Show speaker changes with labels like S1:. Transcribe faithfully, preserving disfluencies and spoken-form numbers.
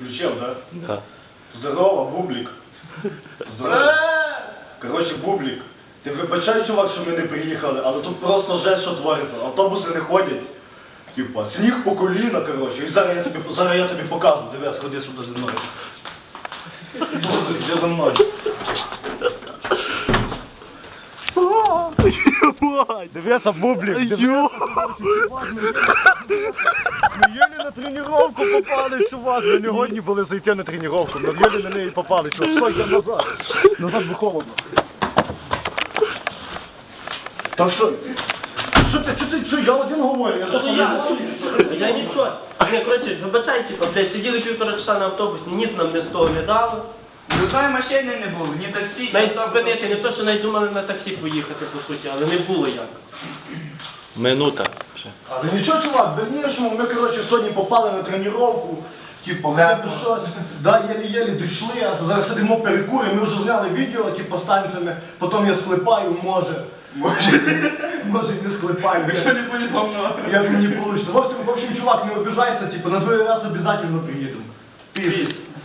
S1: включив, да?
S2: Да.
S1: Здорово, Бублік. Здорово. Коротше, Бублік, ти вибачай, чувак, що ми не приїхали, але тут просто жесть, що твориться. Автобуси не ходять. Типа, сніг по коліна, коротше. І зараз я тобі, зараз я тобі покажу. Дивись, ходи сюди зі мною. Іди за мною. Дивися, Бублік, дивися. Ми єлі на тренировку попали, чувак. Ми не годні були зайти на тренировку. Ми єлі на неї попали. Чувак, стой, я назад. Назад бо холодно. Так що... Що ти, що ти, що я один говорю? Я
S3: Ну я, я нічого. Не, коротше, вибачай, типа, блядь, сиділи півтора часа на автобусі, ніц нам не з того не дало.
S4: Жодної машини не було, ні таксі, ні
S3: Навіть
S4: автобусу.
S3: спинити, не то, що навіть думали на таксі поїхати, по суті, але не було як.
S2: Минута.
S1: Але нічого, чувак, в дальнішому ми, коротше, сьогодні попали на тренировку. Типа, ми щось, да, єлі-єлі дійшли, а зараз сидимо перекуримо, ми вже зняли відео, типа, з танцями, потім я склепаю, може. Може, може і не склепаю.
S4: Якщо не буде повно.
S1: Як мені вийде. В общем, в общем, чувак, не обіжайся, типа, на другий раз обов'язково приїдемо. Піс.